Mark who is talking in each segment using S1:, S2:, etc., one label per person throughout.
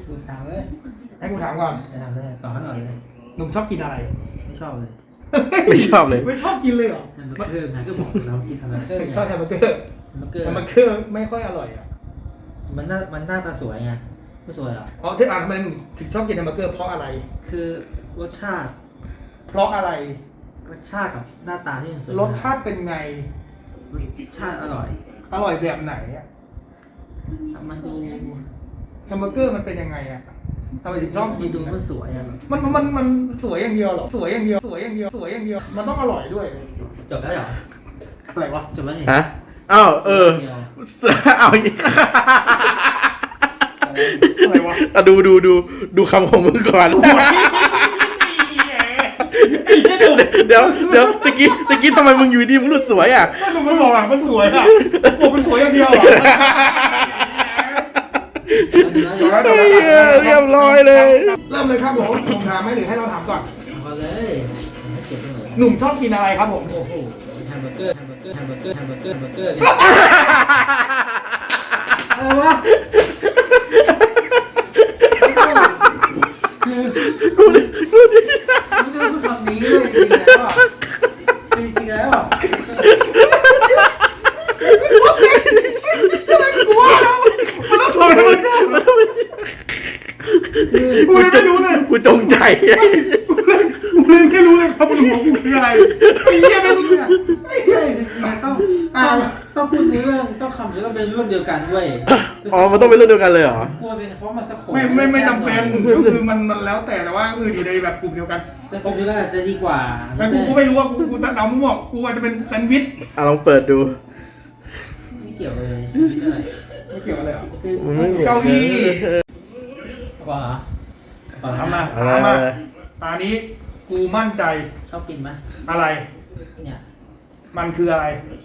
S1: กูถามเลย
S2: ให้กูถามก่อน
S1: ถามเลยต่อให้หน่อยเลย
S2: หนุ่มชอบกินอะไร
S1: ไม่ชอบเลย
S3: ไม่ชอบเลย
S2: ไม่ชอบกินเลยเหรอ
S1: แฮมเบอร์เกอร์ไงก็บอกเรากินแฮมเบอร์เกอร์ไง
S2: ชอบแฮมเบอร์เกอร์
S1: แฮมเบอร์เกอร์
S2: แฮมเบอร์เกอร์ไม่ค่อยอร่อยอ่ะ
S1: มันหน้าตาสวยไงไม่สวยหรอ
S2: อ๋อที่อ่านทำไมหนุ่มถึงชอบกินแฮมเบอร์เกอร์เพราะอะไร
S1: คือรสชาติ
S2: เพราะอะไร
S1: รสชาติกับหน้าตาที่มันสวย
S2: รสชาติเป็นไง
S1: รสชาติอร่อย
S2: อร่อยแบบไหนอ่ะ
S1: มันดู
S2: แฮมเบอร์เกอร์มันเป็นยังไงอ่ะทำไมถึงชอบกิน
S1: ดูมันสวยอะ
S2: มันสวยอย่างเดียวเหรอ สวยอย่างเดียว สวยอย่างเดียว สวยอย่างเดียว มันต้องอร่อยด้วย
S1: จบแล้วเหรอ
S2: อะไรวะ
S1: จบแล้วนี่
S3: ฮะอ้าวเอาอย่างงี้
S2: อะไรวะ
S3: อ่ะดูคำของมึงก่อน เดี๋ยวตะกี้ทำไมมึงอยู่ดีมึงหลุดสวยอ่ะ
S2: หนุ่มมันบอกอ่ะมันสวยอ่ะบอกมันสวยอย่างเดียวอ่ะ
S3: เรียบร้อยเลย
S2: เริ่มเลยครับผมผมถามไหมหรือให้เราถามก่อน
S1: เอาเลยให้เก็บไปหมด
S2: หนุ่มชอบกินอะไรครับผม
S1: โอ้โหแฮมเบอร์เกอร์อะไรวะคือกูจะพูดคำนี้เลยจริงแล้วอ่ะ
S2: กูไม่รู้เลย
S3: กูจงใจ
S2: กูเล่นแค่รู้เลยครับบนหัวกูคืออะไรไอ้เหี้ยไม่รู้เนี่ย
S1: ใช่ต้องพูดในเรื่องต้องคำเดียวต้องเป็นเรื่องเดียวกันด้วย
S3: อ๋อมันต้องเป็นเรื่องเดียวกันเลยเหรอ
S1: กลัวเป็นเพราะมันสะโข
S2: ไม่จำเป็นก็คือมันแล้วแต่ว่าอื่นอยู่ในแบบกลุ่มเดียวกัน
S1: แต่ผมคิดว่าจะดีกว่า
S2: แต่กูไม่รู้ว่ากูเดามึงบอกกูอาจจะเป็นแซนด์วิช
S3: อ่ะลองเปิดดู
S1: ไม่เกี่ยวเลย
S2: ไม่เกี่ยวอะไรอ่ะ
S1: คือ
S2: เก้าอี้
S1: ก่อนเหรอก่อน
S2: ทำมา
S3: อะไร
S2: ถามมา
S3: อะไร
S2: ตอนนี้กูมั่นใจ
S1: ชอบกินไหม
S2: อะไร
S1: เนี่ย
S2: มันคืออะไร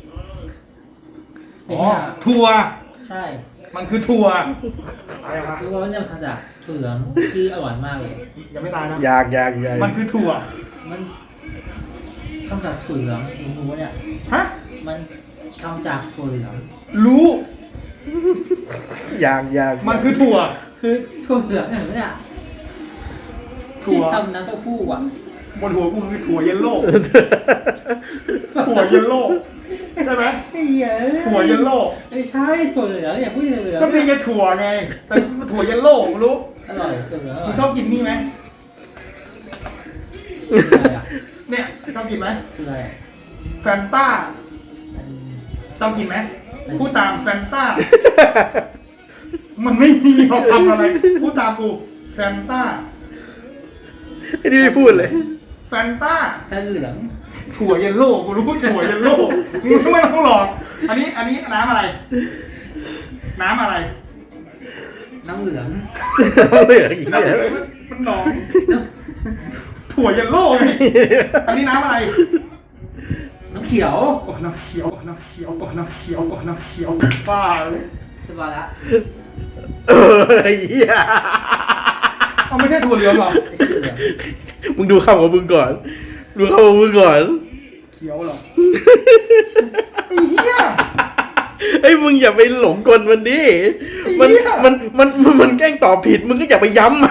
S1: เป็น
S2: อ๋อ
S1: เนี่ย
S2: ถั่ว
S1: ใช่
S2: มันคือถั่วอะไรวะ
S1: คือว่ามันจะทำจากถั่วเหลืองที่อร่อยมากเลย
S2: ยังไม่ตายนะ
S3: อยาก
S2: มันคือถั่ว
S1: มันทำจากถั่วเหลืองหมูเนี่ย
S2: ฮะ
S1: มันทำจากถั่วเหลือง
S2: รู้
S3: อยาก
S2: มันคือถั่ว
S1: คือถั่วเหลืองเห็นไหมเนี่ย
S2: ถั่
S1: ที่
S2: ว
S1: ทำน้ำเต้าหู้อ่ะ
S2: บนหัวกูคือถั่วเยลโล่ถั่วเยลโล่ใช่ไหม
S1: ไอ้เหี้ย
S2: ถั่วเยลโล่
S1: ไม่ใช่ถั่วเหลืองอย่าพูดถั่วเหลือง
S2: ก็มีแค่ถั่วไงแต่ถั่วเยลโล่กูรู้
S1: อร่อยถั่วเหลืองอร่
S2: มึ
S1: อง ย
S2: ชอบกินนี่ไหม
S1: อะไรอ่ะ
S2: เนี่ยชอบกินไหม
S1: คืออะไรอ่ะ
S2: แฟนต้า
S1: อัน
S2: ชอบกินไหมพูดตามแฟนต้า มันไม่มีเขาทำอะไรพูดตามกูแฟนต้า
S3: ไอ้นี่ไม่พูดเลย
S2: แฟนต้า
S1: แค่เหลือง
S2: ถั่วเยลโล่กูรู้ถั่วเยลโล่มึงไม่ต้องหลอกอันนี้น้ำอะไร น้ำอะไร
S1: น้ำเหลือง
S3: เหลืออีกเนี่ย
S2: มันหนองถั่วเยลโล่ไงอันนี้น้ำอะไร
S1: น้ำเขียว
S2: โอ้น้ำเขียวน้ำเขียวโอ้น้ำเขียวโอ้น้ำเขียวบ้าเลย
S1: สบายละ
S3: ไอ้เหี้ย
S2: เอาไม่ใช่ถั่วเหลืองหรอ
S1: ไม่ใช่เหลือง
S3: มึงดูคำของมึงก่อน
S2: เขียวเหรอไอ้เหี้ย
S3: ไอ้ยมึงอย่าไปหลงกลมันดิมันแกล้งตอบผิดมึงก็อย่าไปย้ำมัน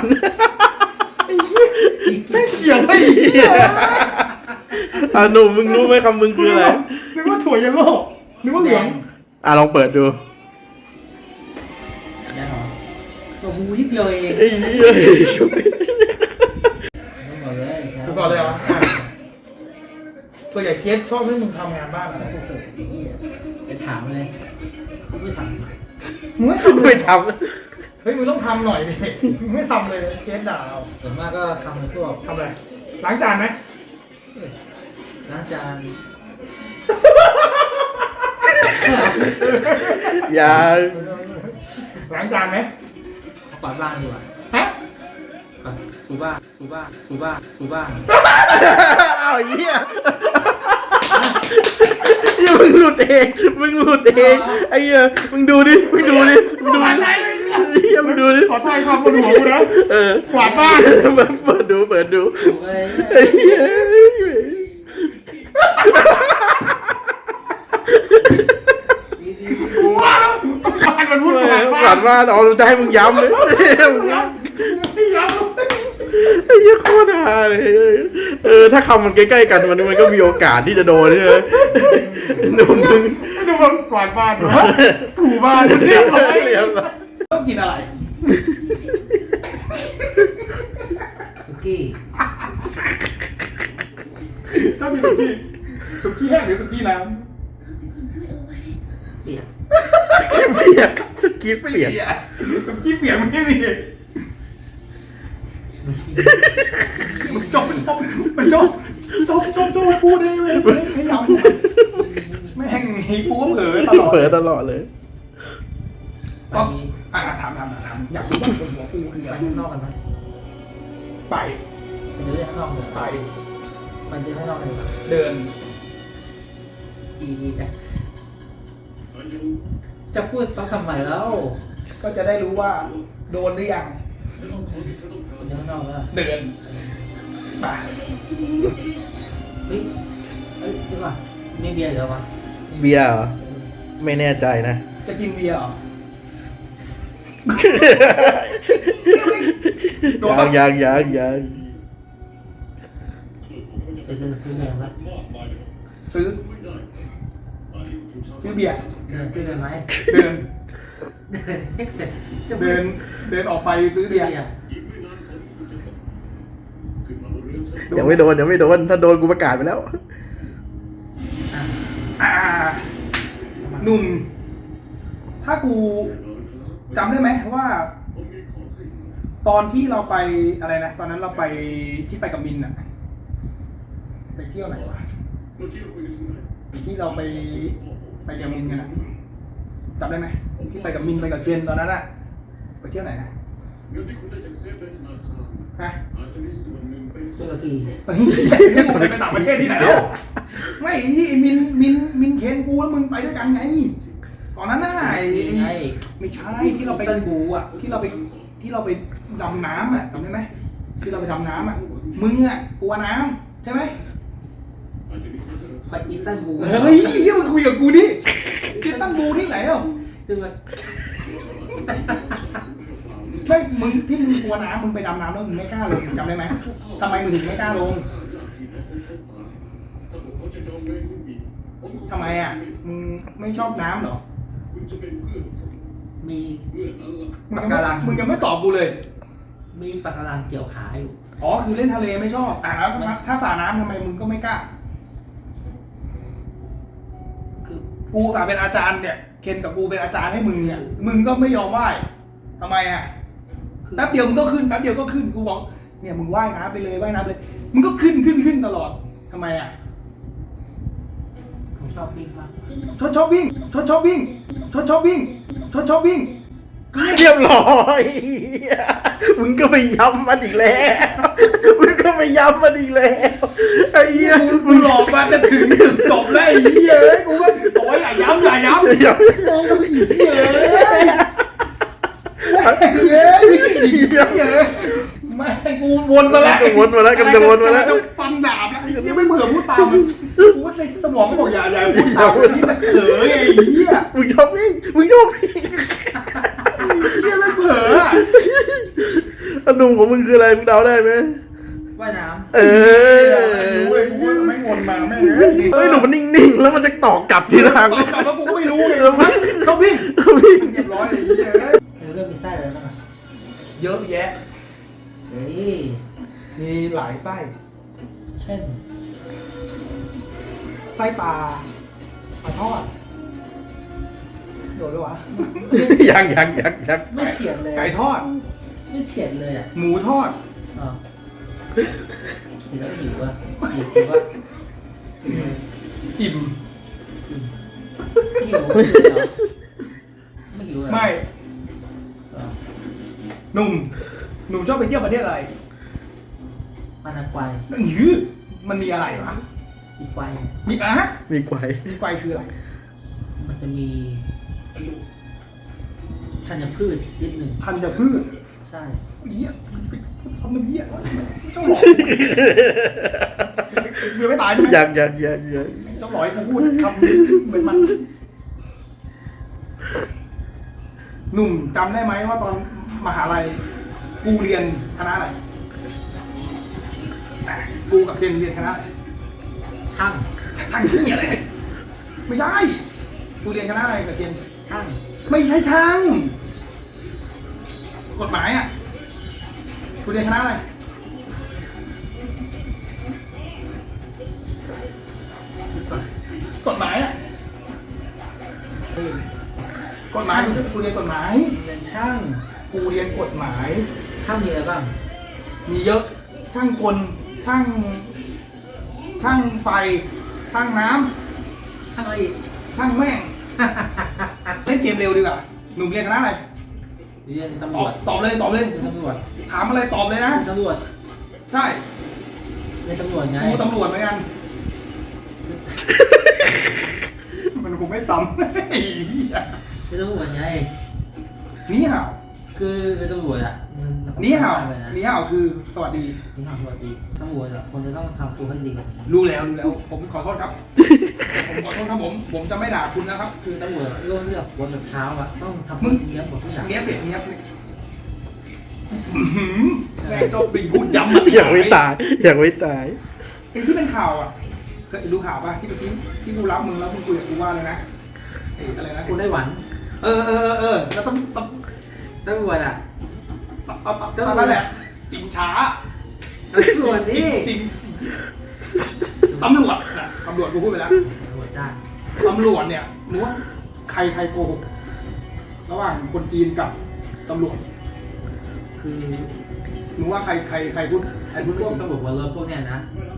S2: ไม่เขียวไอ้เหี้ย
S3: อ่ะหนุ่มมึงรู้ไหมคำมึงคืออะไร
S2: นึกว่าถั่วเยลโล่นึกว่าเหลือง
S3: อ่ะลองเปิดดู
S1: แดงเหรอตัวหูนิดเดียวเอง
S3: ไอ้เหี้ย
S1: ต้องบอกเลย
S2: ดูก่อนเลยเหรอส่วนใหญ่เกสชอบให้มึงทำงานบ้านอะไร
S1: โอ้โหไอ้เหี้ยไปถามเลยกูไม่ถาม
S2: มึงไม่ทำเล
S3: ไม่
S2: ย
S3: ท
S2: เฮ้ยมึงต้องทำหน่อยดิมึงไม่ทำเลยเกสด่าเรา
S1: ส่วนมากก็ทำในพวก
S2: ทำอะไรล้างจานไหม
S1: ล้างจาน
S3: ำอย่า
S2: ล้างจานไหม
S1: กวาดบ้านดีกว่า
S2: ฮะ
S1: กวาดถูบ้าน
S3: อ้าวเหี้ยอย่ามึงหลุดเองไอ้เหี้ยมึงดูดิเหี้ยมึงดูดิ
S2: ขอทายความบนหัวกูนะ กวาดบ้าน
S3: เปิดดู
S1: ถูเลย
S3: ไอ้เหี้ย
S1: ดี
S2: ว้าวบ้านมันพูด
S3: ผ่านมาเอาจะให้มึงย้ำเลย
S2: ไม่ยอม
S3: ไอ้เหี้ยโคตรฮาเลยถ้าคำมันใกล้ๆกันมันก็มีโอกาสที่จะโดนใช่ไหมหนุ่มมึง
S2: ดูมันกวาดบ้านถูบ้านเรียบร้อย
S3: เรียบร้อย
S2: ต้องกินอะไร
S1: สุกี้
S2: ต้องกินสุกี้แห้งหรือสุกี้น้
S1: เปียก
S3: เปียกสกี
S2: ำ
S3: เปียก
S2: สุกี้เปียกมันไม่มีมันจบให้พูดได้ไหมให้ยำไม่แห้งให้พูดเผลอตลอด
S3: เผลอตลอดเลย
S1: ไปนี้
S2: ถามอยากรู้ว่าคนหัวกูคือ
S1: ไป
S2: อะไร
S1: ข้างนอกกันไหม
S2: ไป
S1: ไปเดินข้างนอกเลย
S2: ไป
S1: ไปเดินข้างนอกเลย
S2: เดิน
S1: ดีนะจะพูดต้องทำไมแล้ว
S2: ก็จะได้รู้ว่าโดนหรือยัง
S1: ไปเดินข้างนอกแล้ว
S2: เดินไป
S1: เฮ้ยเดี๋ยวก่อนมีเบียร์เหรอวะ
S3: เบียร์เหรอไม่แน่ใจนะ
S2: จะกินเบียร์เหรอโดนปะ
S3: ยัง
S1: จะเดินซื้อเบียร์ไหม
S2: ซื้อเบียร์
S1: เดินซื้อเบียร์ไหม
S2: เดิน
S1: จะ
S2: เดินออกไปซื้อเบียร์
S3: ยังไม่โดนถ้าโดนกูประกาศไปแล้ว
S2: อ่าหนุ่ม ถ้ากูจำได้ไหมว่า ตอนที่เราไปอะไรนะตอนนั้นเราไปที่ไปกับมินอะไปเที่ยวไหนวะที่เราไปกับมินกันอะจำได้ไหมที่ไปกับมินไปกับเคนตอนนั้นอะไปเที่ยวไหนนะฮะ
S1: เจ้าที
S2: เฮ้ยกูไปต่างประเทศที่ไหนแล้วไม่ที่มินเคนกูแล้วมึงไปด้วยกันไงตอนนั้นน่ะไม่ใช่ที่เราไป
S1: ต้นบูอ่ะ
S2: ที่เราไปดำน้ำอ่ะจำได้ไหมที่เราไปดำน้ำอ่ะมึงอ่ะกลัวน้ำใช่ไหม
S1: ไปอิตันบู
S2: เฮ้ยเฮียมันคุยกับกูดิคิดตั้งบูที่ไหนอ่ะ
S1: ซึ่งมัน
S2: ไม่มึงที่มึงกลัวน้ำมึงไปดำน้ำแล้วมึงไม่กล้าลงจำได้ไหมทำไมมึงถึงไม่กล้าลงทำไมอ่ะมึงไม่ชอบน้ำเหรอ
S1: มี
S2: มึงยังไม่ตอบกูเลย
S1: มีปะการังเกี่ยวขาอยู่
S2: อ๋อคือเล่นทะเลไม่ชอบแล้วถ้าสาน้ำทำไมมึงก็ไม่กล้า
S1: คือ
S2: กูกับเป็นอาจารย์เนี่ยเคนกับกูเป็นอาจารย์ให้มึงเนี่ยมึงก็ไม่ยอมไหว้ทำไมอ่ะแป๊บเดียวมึงก็ขึ้นแป๊บเดียวก็ขึ้นกูบอกเนี่ยมึงว่ายน้ำไปเลยว่ายน้ำเลยมึงก็ขึ้นตลอดทำไมอ่ะ
S1: ผมชอบวิ่งมาก
S2: ชอบวิ่ง
S3: เรียบร้อยมึงก็ไปย้ำมันอีกแล้วไอ้เหี้ย
S2: มึงหลอกมาจะถึงจบแล้วไอ้เหี้ยกูก็บอกว่าอย่าย้ำมองกันอีกเหี้ยไม่กูวนมาแล้วกำลังจะฟันดาบแล้วยังไม่เบื่อพูดตามมันกูว่าในสมองก็บอกอย่าพูดตามนี่มันเผลอไงเหี้ย
S3: มึงชอบวิ่ง
S2: เหี้ยไม่เผลอ
S3: อนุ่มของมึงคืออะไรมึงเดาได้ไหม
S1: ว่ายน้
S2: รู้เลยกูว่าไม่วนมาแม่ง
S3: เฮ้ยหนุ่มมันนิ่งๆแล้วมันจะตอกกลับทีหลัง
S2: ตอบกลับแล้วกูก็ไม่รู้ไงเขาวิ่งเรียบร้อยเลยเหี้ย
S1: ำเรื่องมีไส้อะไรบ้างอ่ะ
S2: เยอะแยะ
S1: เฮ้ย
S2: มีหลายไส้
S1: เช่น
S2: ไส้ปลาทอดโดนด้วยวะ
S3: ยัง
S1: ไม่เฉียดเลย
S2: ไก่ทอด
S1: ไม่เฉียดเลยอ่ะ
S2: หมูทอด
S1: อ๋อเห็นแล้วหิวอ่ะหิวอ่ะ
S2: อิ่ม
S1: หิวไม่หิวเหรอ
S2: ไม่
S1: อ๋อ
S2: หนุ่มชอบไปเที่ยวประเทศอะไร
S1: ปานากวาย
S2: หือมันมีอะไรวะ
S1: อีควาย
S2: มีอะ
S3: มีไกว
S2: มีไกวคืออะไร
S1: มันจะมีธัญพืชนิดหนึ่ง
S2: ธัญพืช
S1: ใช่
S2: เหี้ยทำน้ำเหี้ยเจ้าหลอกเบื่อไม่ตายใช่ไหม
S3: ยัง
S2: เจ้าหลอยกูพูดคำเหมือนมันหนุ่มจำได้ไหมว่าตอนมหาลัยกูเรียนคณะอะไรกูกับเจนเรียนคณะอะไร
S1: ช่าง
S2: ช่างเชี่ยอะไรไม่ใช่กูเรียนคณะอะไรกับเจน
S1: ช่าง
S2: ไม่ใช่ช่างกฎหมายอ่ะกูเรียนคณะอะไรคิดก่อนกฎหมายอ่ะกฎหมายกูเรียนกฎหมาย
S1: เรียนช่าง
S2: กูเรียนกฎหมาย
S1: ช่างมีอะไรบ้าง
S2: มีเยอะ ช่างกล ช่างไฟ ช่างน้ำ
S1: ช่างอะไรอีก
S2: ช่างแม่ง เล่นเกมเร็วดีกว่า หนุ่มเรียนคณะอะไร
S1: เรียนตำร
S2: ตอ
S1: ว
S2: บ
S1: จ
S2: ตอบเลยตอบเลย
S1: เรียนตำรวจ
S2: ถามอะไรตอบเลยนะ
S1: เรียนตำรวจ
S2: ใช่
S1: เรียนตำรวจไง
S2: กูตำรวจเหมือนกัน มันคงไม่ซ้ำ ไอ้เหี้ย
S1: เรียนตำรวจไง
S2: นี่ห่าว
S1: คือเรียนตำรวจอ่ะมัน
S2: นี่ห่าว
S1: เลยนะ
S2: นี่ห่าวคือสวัสดี
S1: นี่ห่าวสวัสดีตำรวจอ่ะคนจะต้องทำตัวให้ดี
S2: รู้แล้ว ผมขอโทษครับ ผมขอโทษครับผมจะไม่ด่าคุณนะครับ คือ
S1: ตำรวจเลือกบนแบบเท้าอ่ะต้องทำ
S2: มึง
S1: เนี้ยบหมดทุกอย่าง
S2: เนี้ยบเนี้ยบแม่งก็บินพูดย้ำ
S3: อยากไม่ตายอยากไม่ตาย
S2: ไอ้ที่เป็นข่าวอ่ะเคยดูข่าวป่ะที่เมื่อกี้ที่กูรับมึงแล้วมึงคุยกับกูว่าเลยนะไอ้อะไรนะ
S1: คุณได้หวัน
S2: แล้วต้อง
S1: ตำรวจอ่ะ
S2: นั่นแหละจริงช้า
S1: ตำรวจ
S2: จริ
S1: นี่
S2: งจริงตำรวจน่ะตำรวจกูพูดไปแล้ว
S1: ตำรวจได้
S2: ตำรวจเนี่ยนึกว่าใครโกหกระหว่างคนจีนกับตำรวจ
S1: คือ
S2: นึกว่าใครพูด
S1: ไอ้พวกตำรวจหัวรถพวกเนี้ยนะ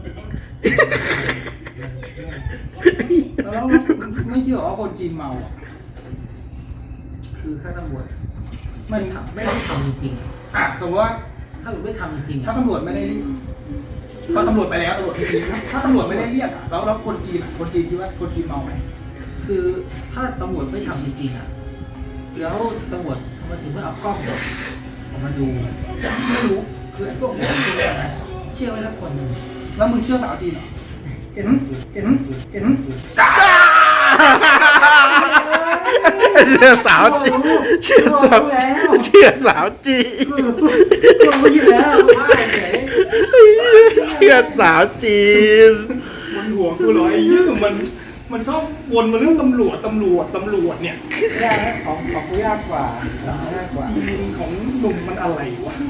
S2: แล้วไม่เชื่อว่าคนจีนเมาอ่ะ
S1: คือถ้าตำรวจ
S2: มัน
S1: ไม่ได้ทำจริง
S2: อ่ะสมมติว่า
S1: ๆถ้าไม่ทำจริงๆ
S2: ถ้า
S1: อ่ะ
S2: ตำรวจไม่ได้ก็ตำรวจไปแล้วตำรวจไม่ได้ถ้าตำรวจไม่ได้เรียกอ่ะแล้วคนจีนอ่ะคนจีนคิดว่าคนจีนเมาไหม
S1: คือถ้าตำรวจไม่ทำจริงๆอ่ะแล้วตำรวจทำไมถึงไม่เอากล้องออกมาดูไม่รู้คือไอ้พวกนี้เชื่อไว้สักคนหนึ่ง
S2: แล้วมึงเชื่อสาวจีนเหรอ
S1: เช่นเช่น
S3: เชื่อสาวจีเชื่อสาวจีเชื่อสาวจี
S1: ลงไปอยู่แล้วว่าเฉย
S3: เชื่อสาวจีน
S2: มันห่วงกูเหรอไอ้เหี้ยมันชอบวนมาเรื่องตำรวจเนี่ย
S1: ยากของกูยากกว่าง่ายกว่า
S2: จีนของหนุ่มมันอะไรวะ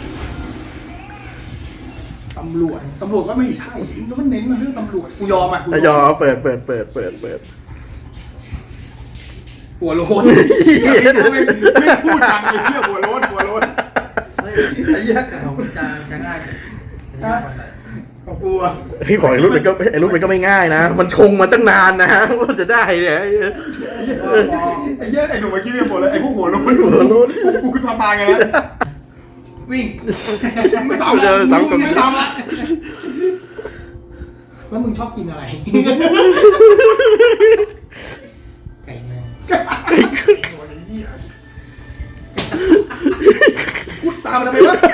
S2: ตำรวจก็ไม่ใช่แล้วมันเน้นมาเรื่องตำรวจกูยอมอ่ะ
S3: ยอมเปิด
S2: หัวโล้นไม่พูดดังไอ้เหี้ยหัวโล้น
S1: เฮ้ย
S2: ไอ้เหี้ย
S1: แต่ของกูจะง่ายจะง่ายกว่าหน่อย
S2: ของกูอ่ะ
S3: เฮ้ยของไอ้รุ่นมันก็ไม่ง่ายนะ มันชงมาตั้งนานนะว่าจะได้เนี่ย
S2: ไอ้เหี้ยไอ้หนุ่มเมื่อกี้ไม่บอกเลยไอ้พวกหัวโล้นกูขึ้นมาตายไงนะวิ่งไม่ตามแล้วไม่ตามแล้วแล้วมึงชอบกินอะไร
S1: ไก่เนื้อ
S2: พูดตามมันไปวะ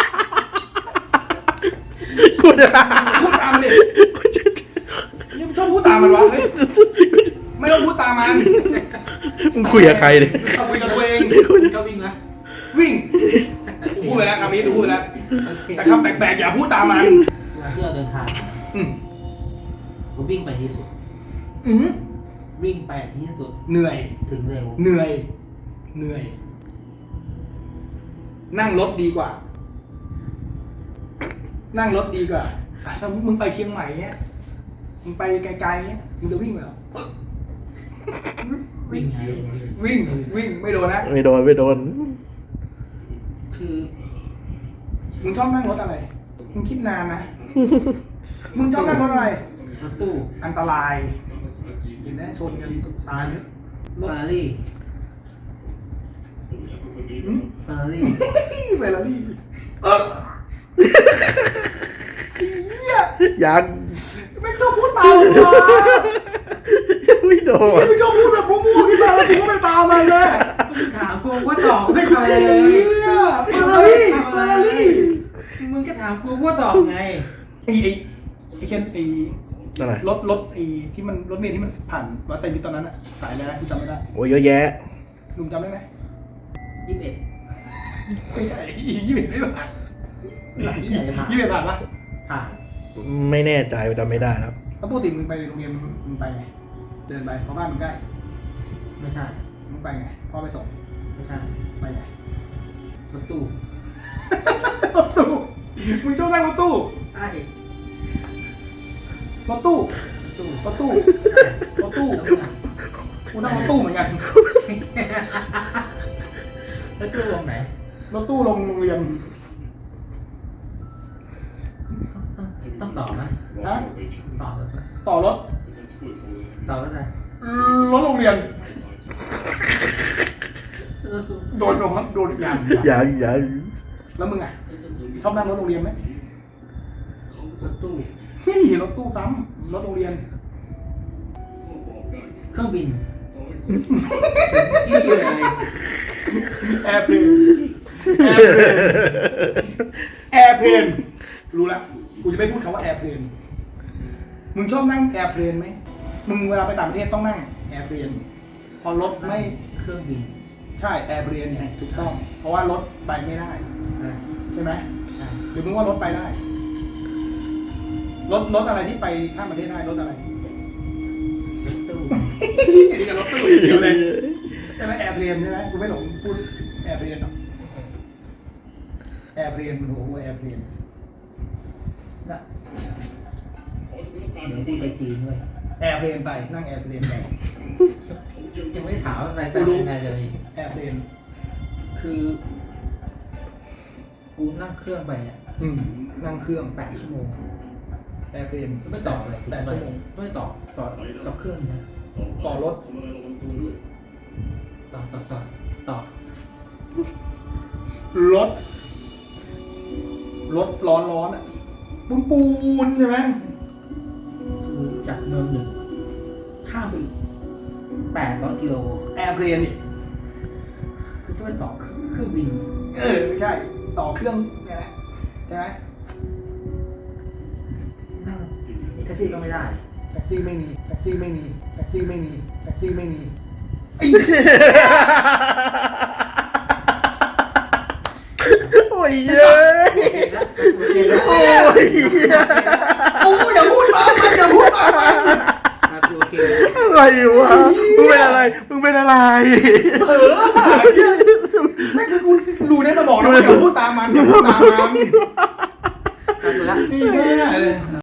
S3: กูจะ
S2: พูดตามมันดิยังชอบพูดตามมันวะเฮ้ยไม่ต้องพูดตามมัน
S3: มึงคุยกับใครเนี่ย
S2: คุยกับตัวเอง
S1: ก็วิ่งนะ
S2: วิ่งพูดไปแล้วคำนี้ดูพูดไปแล้วแต่คำแปลกๆอย่าพูดตามมัน
S1: เวลาที่เราเดินทาง
S2: อืม
S1: กูวิ่งไปที่สุด
S2: อืม
S1: วิ่งไปที่สุด
S2: เหนื่อย
S1: ถึงเร็ว
S2: เหนื่อย นั่งรถดีกว่า นั่งรถดีกว่าถ้ามึงไปเชียงใหม่เนี้ยมึงไปไกลๆเนี้ยมึงจะวิ่งไหมเหรอ
S1: วิ่งไง
S2: วิ่งไม่โดนนะ
S3: ไม่โดน
S1: คือ
S2: มึงชอบนั่งรถอะไร มึงคิดนานนะ มึงชอบนั่งรถอะไร
S1: รถตู้
S2: อันตรายเห็นไหมชนกันตายเยอะ
S1: เฟอร์รารี่
S2: หืม
S1: เฟอร์รารี่
S2: เฟอร์รารี่เหี้ย
S3: ยัง
S2: ไม่ชอบพูดตามมันวะ
S3: ยังไม่โดน
S2: ไม่ชอบพูดแบบมั่วๆขึ้นมาแล้วกูก็ไม่ตามมันเลย
S1: มึงถามกูก็ตอบไม่ใช่เลย
S2: เหี้ยเฟอร์รารี่
S1: มึงก็ถามกูก็ตอบไง
S2: ไอ้เคน
S3: อะไร
S2: รถไอ้ที่มันรถเมล์ที่มันผ่านวัดไตรมิตรตอนนั้นอะสายอะไรนะกูจำไม่ได้
S3: โอ้ยเยอะแยะ
S2: ลุงจำได้ไหม
S1: 21
S2: ไม่ใช่21ไม่ผ่าน
S1: ที่ไหนจะผ่าน
S2: 21ผ่านปะ
S1: ผ่าน
S3: ไม่แน่ใจจำไม่ได้ครับ
S2: แล้วปกติมึงไปโรงเรียนมึงไปไงเดินไปเพราะบ้านมึงใกล้
S1: ไม่ใช่
S2: มึงไปไงพ่อไปส่ง
S1: ไม่ใช่
S2: ไปไง
S1: รถตู้
S2: รถตู้มึงชอบนั่งรถตู้
S1: ใช่
S2: รถตู้
S1: ตู้
S2: รถตู้
S1: ใช่
S2: รถตู้
S1: แล้วมึงอะ
S2: กูนั่งรถตู้เหมือนกัน
S1: รถตู้ลงไหน
S2: รถตู้ลงโรงเรียน
S1: ต้องต่อไหม
S2: ฮะ
S1: ต่อรถไหม
S2: ต่อรถ
S1: ต่อรถอะไร
S2: รถโรงเรียน
S1: รถตู้
S2: โดนโดนยาง
S3: อย่า
S2: แล้วมึงอ่ะชอบนั่งรถโรงเรียนไหม
S1: รถตู้
S2: เฮ้ยรถตู้ซ้ำรถโรงเรียน
S1: เครื่องบินที่เลย
S2: แอร์เพลนแอร์เพลนรู้แล้วกูจะไม่พูดคำว่าแอร์เพลนมึงชอบนั่งแอร์เพลนไหมมึงเวลาไปต่างประเทศต้องนั่งแอร์เพลนพอรถไม่
S1: เครื่องบิน
S2: ใช่แอร์เพลนไงถูกต้อง เพราะว่ารถไปไม่ได้
S1: ใช่
S2: ใช่ไหม
S1: ใช่
S2: หรือมึงว่ารถไปได้รถอะไรที่ไปข้ามประเทศได้รถอะไร
S1: รถตู้
S2: นี่กับรถตู้อย่างเดียวเลยใช่ไหมแอร์เพลนใช่ไหมกูไม่หลงพูดแอร์เพลนหรอกแอร์เพลนโอ้โหแอร์เพลน
S1: นะเดี๋ยวพี่ไปจีนด้วย
S2: แอร์เพลนไปนั่งแอร์เพลนไป
S1: ยังไม่ถามอะไรไปยังไงเลย
S2: แอร์เพลน
S1: คือ กูนั่งเครื่องไปเนี่ย
S2: นั่งเครื่อง
S1: 8 ชั่วโมง
S2: แอร์เพลน
S1: ไม่ต่อเลย
S2: 8 ชั่วโมง
S1: ไม่ต่อเครื่องนะ
S2: ต่อรถ
S1: ต่อ
S2: รถร้อนอ่ะปูนใช่ไหม
S1: คือจากเมืองหนึ่งข้ามไปอีก800 กิโล
S2: แอร์เพลนนี่
S1: คือต้องไปต่อเครื่องบิน
S2: ใช่ต่อเครื่องเนี่ยแหละใช่ไหม
S1: นั่งแท็กซี่ก็ไม่ได้
S2: แท็กซี่ไม่มีแท็กซี่ไม่มีแท็กซี่ไม่มีแท็กซี่ไม่มีไอ้
S3: โอ้ยเย้ยโอ้ย
S2: โอ้อย่าพูดมามันอย่าพูดมามัน
S1: โอเคแล้ว
S3: อะไรวะมึงเป็นอะไร
S2: นั่นคือกูดูในสมองแล้วอย่าพูดตามมันอย่าพูดตามมัน
S1: ถูกแล้ว
S2: นี่แม่เลย